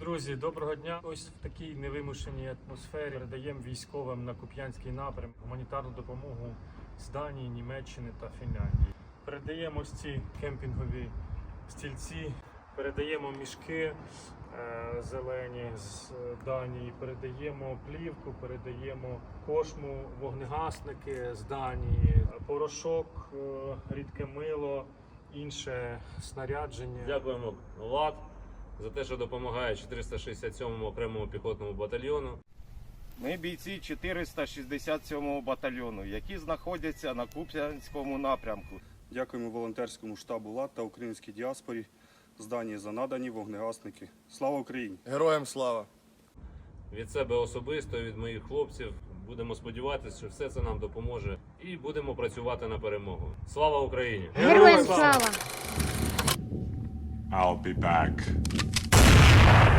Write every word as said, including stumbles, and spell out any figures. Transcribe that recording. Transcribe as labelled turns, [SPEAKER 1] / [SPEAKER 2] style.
[SPEAKER 1] Друзі, доброго дня. Ось в такій невимушеній атмосфері передаємо військовим на Куп'янський напрям гуманітарну допомогу з Данії, Німеччини та Фінляндії. Передаємо ось ці кемпінгові стільці, передаємо мішки е, зелені з Данії, передаємо плівку, передаємо кошму, вогнегасники з Данії, порошок, е, рідке мило, інше снарядження.
[SPEAKER 2] Дякуємо ВАТ за те, що допомагає чотириста шістдесят сьомому окремому піхотному батальйону.
[SPEAKER 3] Ми бійці чотириста шістдесят сьомого батальйону, які знаходяться на Куп'янському напрямку.
[SPEAKER 4] Дякуємо волонтерському штабу ЛАТ та українській діаспорі з Данії за надані вогнегасники. Слава Україні!
[SPEAKER 5] Героям слава!
[SPEAKER 2] Від себе особисто, від моїх хлопців. Будемо сподіватися, що все це нам допоможе і будемо працювати на перемогу. Слава Україні!
[SPEAKER 6] Героям слава!
[SPEAKER 7] I'll be back.